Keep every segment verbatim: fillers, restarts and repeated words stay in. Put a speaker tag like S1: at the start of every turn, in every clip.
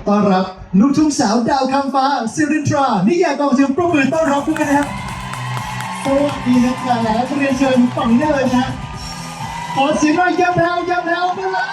S1: ต้อนรับลูกทุ่งสาวดาวคำฟ้าซิรินทรานี่อยากกองเสียงปรบมือต้อนรับด้วยนะครับสวัสดีนะครับเรียนเชิญฝั่งนี้เลยนะขอเสียงหน่อยย้ำแถวย้ำแถวมาเลย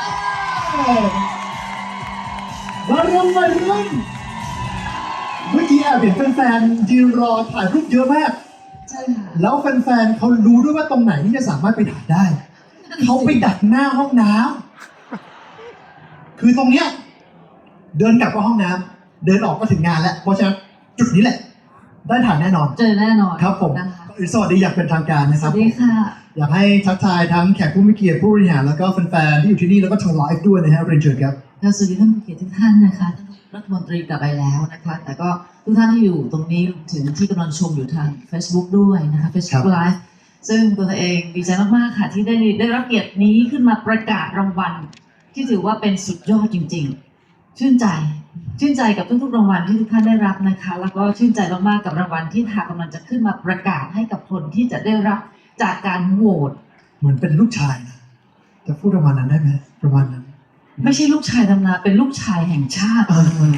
S1: มาเริ่มมาเริ่มเมื่อกี้แอบเห็นแฟนๆยืนรอถ่ายรูปเยอะมาก
S2: ใช่ค่ะ
S1: แล้วแฟนๆเขารู้ด้วยว่าตรงไหนที่จะสามารถไปถ่ายได้เขาไปดักหน้าห้องน้ำคือตรงเนี้ยเดินกลับก็ห้องน้ำเดินออกก็ถึงงานแล้วเพราะฉะนั้นจุดนี้แหละได้ถ่ายแน่นอน
S2: เจอแน่นอน
S1: ครับผมสวัสดีอยากเป็นทางการนะครับ
S2: สวัสดีค่ะ
S1: อยากให้ทักทายทั้งแขกผู้มีเกียรติผู้บริหารแล้วก็แฟนๆที่อยู่ที่นี่แล้วก็ทางไลฟ์ด้วยนะฮะเรียนเชิญครับ
S2: สวัสดีท่านผู้เกียรติทุกท่านนะคะท่านรัฐมนตรีกลับไปแล้วนะคะแต่ก็ทุกท่านที่อยู่ตรงนี้ถึงที่กำลังชมอยู่ทาง Facebook ด้วยนะคะ Facebook Live ซึ่งตัวเองดีใจมากๆค่ะที่ได้ได้รับเกียรตินี้ขึ้นมาประกาศรางวัลที่ถือว่าเป็นสุดยอดจริงๆชื่นใจชื่นใจกับทุกๆรางวัลที่ทุกท่านได้รับนะคะแล้วก็ชื่นใจมากๆกับรางวัลที่ทางกำลังจะขึ้นมาประกาศให้กับคนที่จะได้รับจากการโหวต
S1: เหมือนเป็นลูกชายนะจะพูดประมาณนั้นได้ไหมประมาณนั้น
S2: ไม่ใช่ลูกชายธรรมดาเป็นลูกชายแห่งชาติ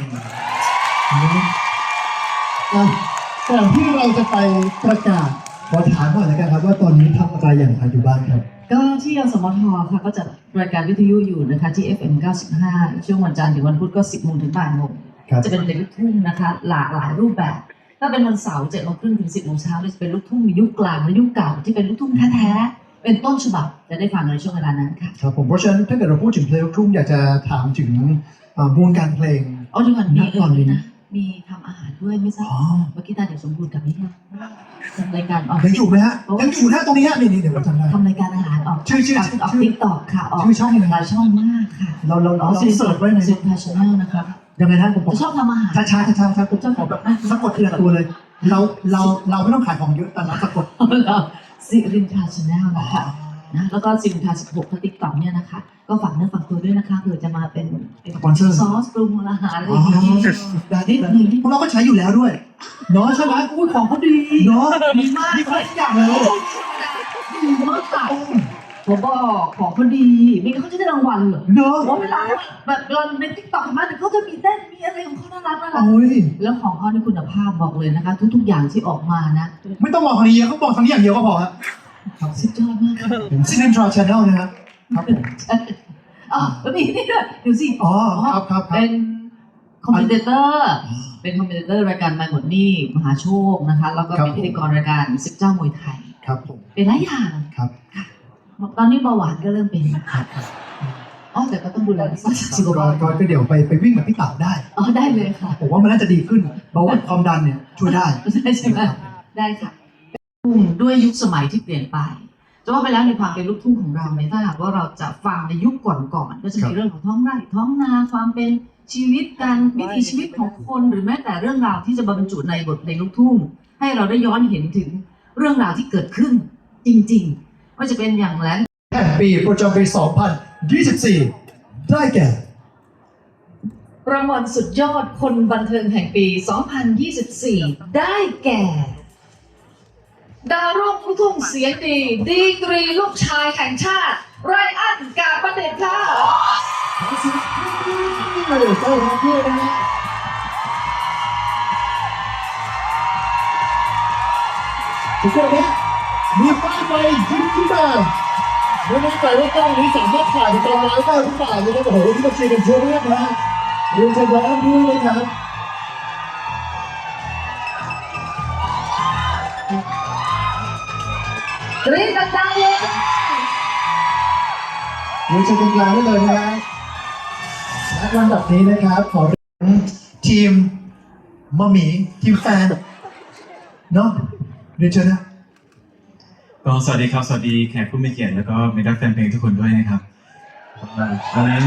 S1: ก่อนที่เราจะไปประกาศขอถามก่อนเลยครับว่าตอนนี้ทำอะไรอย่างไรอยู่บ้างครับ
S2: ก็ที่ยสมทค่ะก็จะรายการวิทยุอยู่นะคะที่ เอฟ เอ็ม เก้าสิบห้าช่วงวันจันทร์ถึงวันพุธก็สิบโมงถึงบ่ายโมงจะเป็นเพลงลูกทุ่งนะคะหลากหลายรูปแบบถ้าเป็นวันเสาร์เจ็ดโมงครึ่งถึงสิบโมงเช้าจะเป็นลูกทุ่งมียุคกลางและยุคเก่าที่เป็นลูกทุ่งแท้ๆเป็นต้นฉบับจะได้ฟังในช่วงเวลานั้นค่ะ
S1: ครับผมเพราะฉะนั้นถ้าเกิดเราพูดถึงเพลงลูกทุ่งอยากจะถามถึงวงการเพลง
S2: อ๋อดีกว่ามีก่อนเลยนะมีทำอาหารด้วยไม่ทราบเมื่อกี้ตาเดี๋ยวสมบูรณ์กับนี่ค่ะทำรายการออก
S1: ยังอยู่ไหมฮะยังอยู่นะตรงนี้ฮะนี่นี่เดี๋ยวผมจำได้
S2: ทำรายการอาหารออก
S1: ชื่อชื่อ
S2: ออกติ๊กต็อกค่ะออก
S1: ชื่อช่องอะไร
S2: หลายช่องมากค่ะ
S1: เราเราเราเสิร์ชไว้ใน
S2: ซินทาชาแนลนะคะ
S1: ยังไงนะผม
S2: ชอบทำอาหาร
S1: ช้าช้าช้าช้าผมชอบขอแบบสะกดทีละตัวเลยเราเราเราไม่ต้องขายของเยอะแต่เราสะกด
S2: ซิรินทาชาแนลนะคะนะแล้วก็ซินทาสิบหกติ๊กต็อกเนี่ยนะคะก็ฝากเนื้อฝากตัวด้วยนะคะเผื่อจะมาเป็น
S1: สปอนเซอร์
S2: ซอสปรุงอาหารอะไรอย่างนี้
S1: นิดนึงพวกเราก็ใช้อยู่แล้วด้วยเนาะใช่ไหม
S2: อุ้ยของเขาดี
S1: เนาะ
S2: ดีมาก
S1: ดีทุกอย่างเลย
S2: ดีมากค่ะผมบอกของเขาดีไม่งั้นเขาจะได้รางวัลเหรอ
S1: เนาะ
S2: ว่าเวลาแบบเราในติ๊กต็อกมาเดี๋ยวเขาจะมีเต้นมีอะไรของเขาน่ารักน่ารักแล้วของเขาในคุณภาพบอกเลยนะคะทุกๆอย่างที่ออกมานะ
S1: ไม่ต้องบอกทางนี้เขาบอกทางนี้อย่างเดียวก็พอครับ
S2: สุดยอดมาก
S1: ซินเนทราชาแนลนะครับครับผม
S2: อ๋อแล้วมีนี่ด้วยดูสิ
S1: อ๋อครับครับ
S2: เป็นคอมเมนเตอร์เป็นคอมเมนเตอร์รายการมาหมดนี่มหาโชคนะคะแล้วก็เป็นพิธีกรรายการสิบเจ้ามวยไทย
S1: ครับผม
S2: เป็นหลายอย่าง
S1: ครับ
S2: ตอนนี้เบาหวานก็เริ่มเป็นครับอ๋อแต่ก็ต้องดูแลสุขภาพ
S1: ก็เดี๋ยวไปไปวิ่งกับพี่เต๋าได้
S2: อ๋อได้เลยค่ะ
S1: ผมว่ามันน่าจะดีขึ้นเบาหวานความดันเนี่ยช่วยได้
S2: ใช่ใช่ไหมได้ค่ะด้วยยุคสมัยที่เปลี่ยนไปจะว่าไปแล้วในความเป็นลูกทุ่งของเราเนี่ยถ้าหากว่าเราจะฟังในยุคก่อนๆก็จะมีเรื่องของท้องไร่ท้องนาความเป็นชีวิตการวิถีชีวิตของคนหรือแม้แต่เรื่องราวที่จะบรรจุในบทเพลงลูกทุ่งให้เราได้ย้อนเห็นถึงเรื่องราวที่เกิดขึ้นจริงๆว่าจะเป็นอย่างแรง
S1: แห่งปีประจำปีสองพันยี่สิบสี่ได้แก่
S2: รางวัลสุดยอดคนบันเทิงแห่งปีสองพันยี่สิบสี่ได้แก่ดาวรุ่งลูกทุ่งเสียงดีดีกรีลูกชายแห่งชาติไรอันกาประเด็นค่ะ
S1: ขอเสียงปรบมือต้อนรับด้วยนะฮะทุกคนนะมีป้ายไฟยิ้มขึ้นมาไม่แน่ใจว่ากล้องนี้สามารถถ่ายในตอนไลฟ์ได้หรือเปล่านะครับโอ้โหที่มาเชียร์กันเยอะมากนะเรียนเชิญร้านด้วยนะครับ
S2: กรี๊ดดังๆเลย
S1: เรียนเชิญตรงกลางได้เลยนะและลำดับนี้นะครับขอเรียนทีมมะหมี่ทีมแฟนเนาะเรียนเชิญนะ
S3: ก็สวัสดีครับสวัสดีแขกผู้มีเกียรติแล้วก็มิตรแฟนเพลงทุกคนด้วยนะครับวันนี้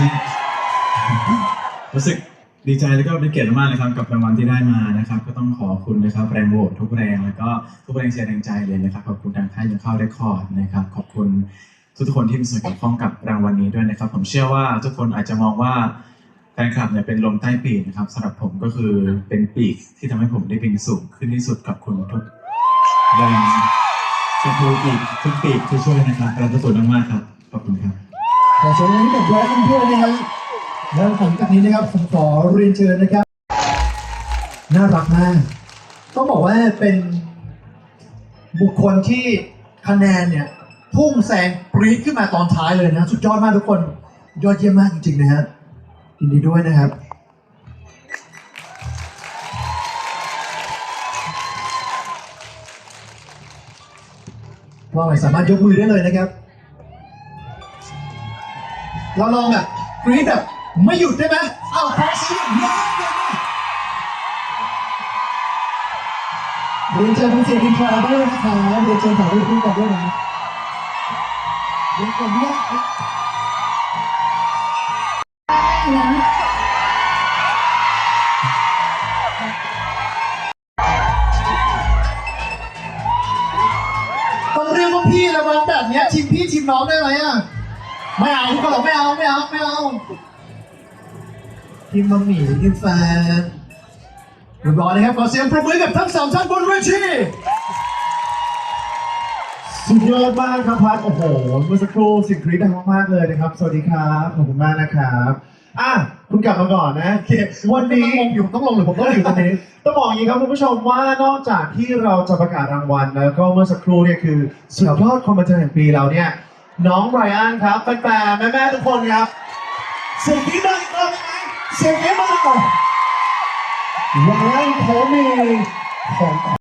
S3: รู้สึกดีใจแล้วก็เป็นเกียรติมากเลยครับกับรางวัลที่ได้มานะครับก็ต้องขอบคุณนะครับแรงโหวตทุกแรงแล้วก็ทุกแรงเชียร์แรงใจเลยนะครับขอบคุณทางค่ายยังเข้าเรคคอร์ดนะครับขอบคุณทุกคนที่มีส่วนเกี่ยวข้องกับรางวัลนี้ด้วยนะครับผมเชื่อว่าทุกคนอาจจะมองว่าแฟนคลับเนี่ยเป็นลมใต้ปีกนะครับสำหรับผมก็คือเป็นปีกที่ทำให้ผมได้บินสูงขึ้นที่สุดกับคุณทุกแรงทุกปีกทุกปีกที่ช่วยนะครับการประสบมากๆครับขอบคุณครับ
S1: ขอเชิญให้กับแบรนด์เพื่อนนะครับแล้วหลังจากนี้นะครับผมขอเรียนเชิญนะครับน่ารักมากต้องบอกว่าเป็นบุคคลที่คะแนนเนี่ยพุ่งแซงปรี๊ดขึ้นมาตอนท้ายเลยนะสุดยอดมากทุกคนยอดเยี่ยมมากจริงๆนะฮะยินดีด้วยนะครับว่าไงสามารถยกมือได้เลยนะครับเราลองแบบกรี๊ดแบบไม่หยุดได้ไหมอ้าวขอเสียงเยอะๆเรียนเชิญคุณเสียงอินทราด้วยนะคะเรียนเชิญถ่ายรูปคู่กันด้วยนะเดี๋ยวก่อนเนี่ยต้องเรียกว่าพี่ละมันแบบเนี้ยทีมพี่ทีมน้องได้ไหมอ่ะไม่เอาทุกคนไม่เอาไม่เอาไม่เอาทีมมัมมี่ทีมแฟนเรียบร้อยนะครับขอเสียงปรบมือกับทั้งสามท่านบนเวทีสุดยอดมากครับพัดโอ้โหเมื่อสักครู่สิ่งกรี๊ดดังมากๆเลยนะครับสวัสดีครับขอบคุณมากนะครับอ่ะคุณกลับมาก่อนนะโอเควันนี้อยู่ต้องลงหรือผมต้องอยู่ตรงนี้ต้องบอกอย่างนี้ครับคุณผู้ชมว่านอกจากที่เราจะประกาศรางวัลแล้วก็เมื่อสักครู่เนี่ยคือสุดยอดคอมเมนต์แห่งปีเราเนี่ยน้องไรอันครับแฟนๆแม่ๆทุกคนครับเสียงกรี๊ดดังอีกรอบได้ไหมเสียงกรี๊ดมาหน่อยไรอันเขามีของ